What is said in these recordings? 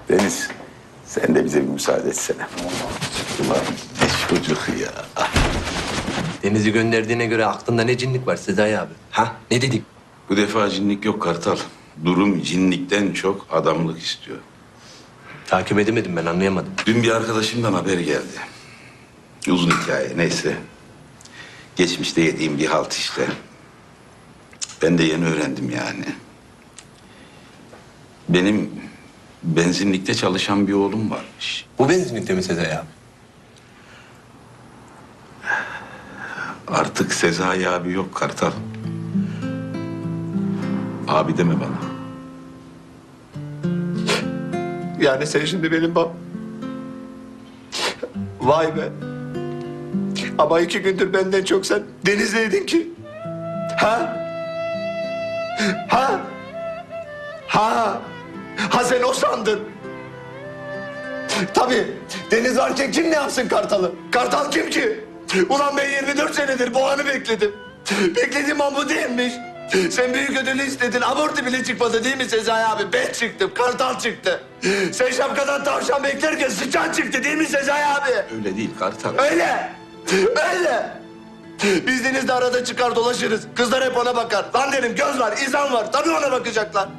Deniz, sen de bize bir müsaade etsene. Ulan ne çocuk ya. Deniz'i gönderdiğine göre aklında ne cinlik var Sezai abi? Ha? Ne dedik? Bu defa cinlik yok Kartal. Durum cinlikten çok adamlık istiyor. Takip edemedim ben, anlayamadım. Dün bir arkadaşımdan haber geldi. Uzun hikaye, neyse. Geçmişte yediğim bir halt işte. Ben de yeni öğrendim yani. Benim benzinlikte çalışan bir oğlum varmış. Bu benzinlikte mi Sezai abi? Artık Sezai abi yok Kartal. Abi deme bana. Yani sen şimdi benim Vay be. Ama 2 gündür benden çok sen Deniz'leydin ki. Ha? Ha? Ha? Ha sen o sandın. Tabii. Deniz varken kim ne yapsın Kartal'ı? Kartal kim ki? Ulan ben 24 senedir bu anı bekledim. Beklediğim an bu değilmiş. Sen büyük ödülü istedin. Abortu bile çıkmadı değil mi Sezai abi? Ben çıktım. Kartal çıktı. Sen şapkadan tavşan beklerken sıçan çıktı değil mi Sezai abi? Öyle değil Kartal. Öyle. Öyle. Biz Deniz'le arada çıkar dolaşırız. Kızlar hep ona bakar. Lan derim göz var, izan var. Tabii ona bakacaklar.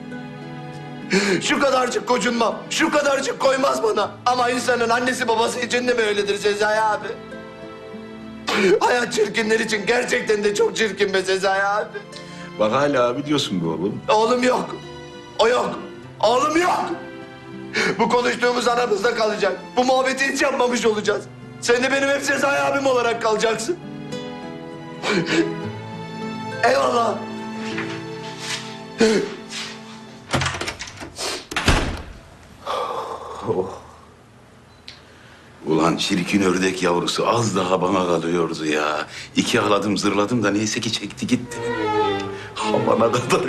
Şu kadarcık gocunmam, şu kadarcık koymaz bana. Ama insanın annesi babası için de mi öyledir Sezai abi? Hayat çirkinler için gerçekten de çok çirkin be Sezai abi. Bak hala abi diyorsun bu oğlum. Oğlum yok. O yok. Oğlum yok. Bu konuştuğumuz aramızda kalacak. Bu muhabbeti hiç yapmamış olacağız. Sen de benim hep Sezai abim olarak kalacaksın. Eyvallah. Ulan çirkin ördek yavrusu az daha bana kalıyordu ya. 2 ağladım zırladım da neyse ki çekti gitti. Havana kadar